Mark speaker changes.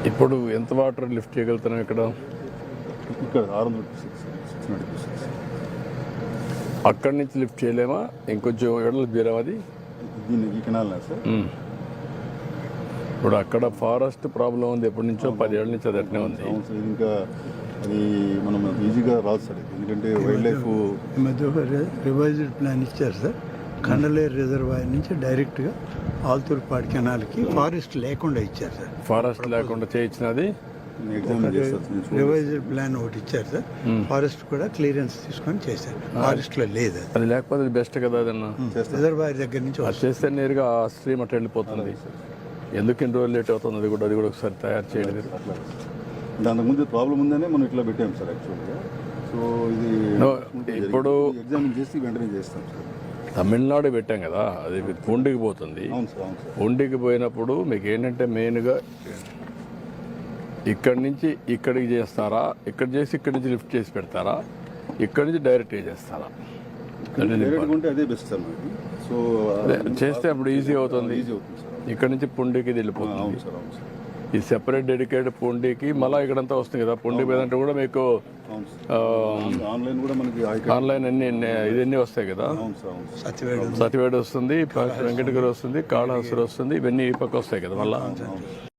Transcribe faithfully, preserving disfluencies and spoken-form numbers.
Speaker 1: ఇప్పుడు ఎంత water lift చేయగలుగుతున్నాం ఇక్కడ?
Speaker 2: ఇక్కడ ఆరు వందల సిక్స్ సిక్స్ హండ్రెడ్ సిక్స్
Speaker 1: అక్కడి నుంచి లిఫ్ట్ చేయలేమా? ఇంకొంచెం ఎడలు తీరాం అది.
Speaker 2: దీన్ని ఈ కెనాల్ సార్.
Speaker 1: ఇప్పుడు అక్కడ ఫారెస్ట్ ప్రాబ్లం ఉంది, ఎప్పటి నుంచో పది ఏళ్ళ నుంచి అది అట్నే ఉంది.
Speaker 2: అవును సార్, ఇది ఇంకా అది మనం ఈజీగా రాదు సార్, ఎందుకంటే వైల్డ్ లైఫ్
Speaker 3: ఈ మధ్య ఒక రివైజ్డ్ ప్లాన్ ఇచ్చారు సార్. కండలేరు రిజర్వాయర్ నుంచి డైరెక్ట్గా ఆల్తూర్పాడు కెనాల్కి ఫారెస్ట్ లేకుండా ఇచ్చారు సార్.
Speaker 1: ఫారెస్ట్ లేకుండా చేయించినది
Speaker 2: ఎగ్జామిన్ చేస్తారు.
Speaker 3: రివైజ్డ్ ప్లాన్ ఒకటి ఇచ్చారు సార్. ఫారెస్ట్ కూడా క్లియరెన్స్ తీసుకొని చేశారు. ఫారెస్ట్లో లేదు అది.
Speaker 1: అది లేకపోతే అది బెస్ట్ కదా. అదన్నా
Speaker 3: రిజర్వాయర్ దగ్గర నుంచి
Speaker 1: అది చేస్తే నేరుగా ఆ స్ట్రీమ్ అట్లా వెళ్ళిపోతుంది. ఎందుకు ఇన్ని రోజులు లేట్ అవుతుంది? అది కూడా అది కూడా ఒకసారి తయారు చేయండి.
Speaker 2: అట్లా దానికి ముందు ప్రాబ్లం ఉందనే మనం ఇట్లా పెట్టాం సార్ యాక్చువల్గా. సో ఇది
Speaker 1: ఇప్పుడు
Speaker 2: ఎగ్జామిన్ చేసి వెంటనే చేస్తాం సార్.
Speaker 1: తమిళనాడు పెట్టాం కదా, అది పూండికి పోతుంది.
Speaker 2: అవును సార్, అవును సార్.
Speaker 1: పూండికి పోయినప్పుడు మీకు ఏంటంటే మెయిన్గా ఇక్కడి నుంచి ఇక్కడికి చేస్తారా, ఇక్కడ చేసి ఇక్కడి నుంచి లిఫ్ట్ చేసి పెడతారా, ఇక్కడి నుంచి డైరెక్ట్గా చేస్తారా?
Speaker 2: డైరెక్ట్గా ఉంటే అదే బెస్ట్ సార్ మనకి. సో
Speaker 1: చేస్తే అప్పుడు ఈజీ అవుతుంది.
Speaker 2: ఈజీ అవుతుంది సార్.
Speaker 1: ఇక్కడ నుంచి పుండికి వెళ్ళిపోతుంది.
Speaker 2: అవును సార్, అవును సార్.
Speaker 1: ఈ సెపరేట్ డెడికేటెడ్ పుండికి మళ్ళీ ఇక్కడంతా వస్తుంది కదా. పుండి మీద కూడా మీకు
Speaker 2: ఆన్లైన్ కూడా మనకి
Speaker 1: ఆన్లైన్ అన్ని ఇవన్నీ వస్తాయి కదా.
Speaker 3: సత్యవేడు
Speaker 1: సతివేడు వస్తుంది, వెంకటగిరి వస్తుంది, కాళహస్తి వస్తుంది, ఇవన్నీ ఈ పక్క వస్తాయి కదా మళ్ళీ.